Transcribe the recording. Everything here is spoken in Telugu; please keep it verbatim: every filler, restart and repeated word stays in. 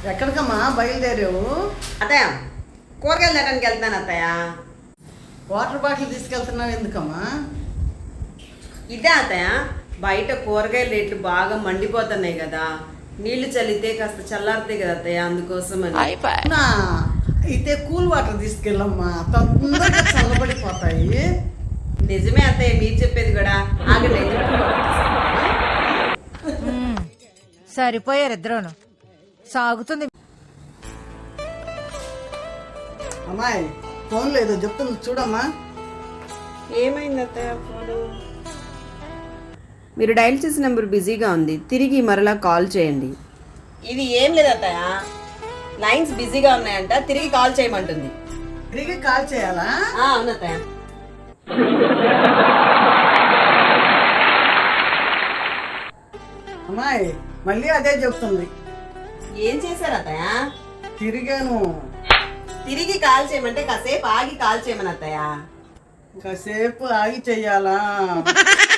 ఎక్కడికమ్మా బయలుదేరావు? అత్తయ్య కూరగాయలు తేడానికి వెళ్తున్నాను అత్తయ్య. వాటర్ బాటిల్ తీసుకెళ్తున్నావు ఎందుకమ్మా? ఇదే అత్తయ్య, బయట కూరగాయల రేట్లు బాగా మండిపోతున్నాయి కదా, నీళ్లు చల్లితే కాస్త చల్లారుతాయి కదా అత్తయ్య, అందుకోసం అని. అవునా? అయితే కూల్ వాటర్ తీసుకెళ్ళమ్మా, తొందరగా చల్లబడిపోతాయి. నిజమే అత్తయ్య మీరు చెప్పేది కూడా. ఆగండి అయితే కూల్ వాటర్ తీసుకుంటాను. సరిపోయారు ఇద్దరును. సాగుతుంది. అమ్మాయి ఫోన్ లేదు చెప్తుంది చూడమ్మా. ఏమైంది అత్తయ్య ఫోను? మీరు డైల్ చేసిన నెంబర్ బిజీగా ఉంది, తిరిగి మరలా కాల్ చేయండి. ఇది ఏం లేదు అత్తయ్య, లైన్స్ బిజీగా ఉన్నాయంట, తిరిగి కాల్ చేయమంటుంది. తిరిగి కాల్ చేయాలా? అవును అత్తయ్య. అమ్మాయి మళ్ళీ అదే చెప్తుంది. ఏం చేశారు అత్తయ్య? తిరిగాను. తిరిగి కాల్ చేయమంటే కాసేపు ఆగి కాల్ చేయమని అత్తయ్య. కాసేపు ఆగి చెయ్యాలా?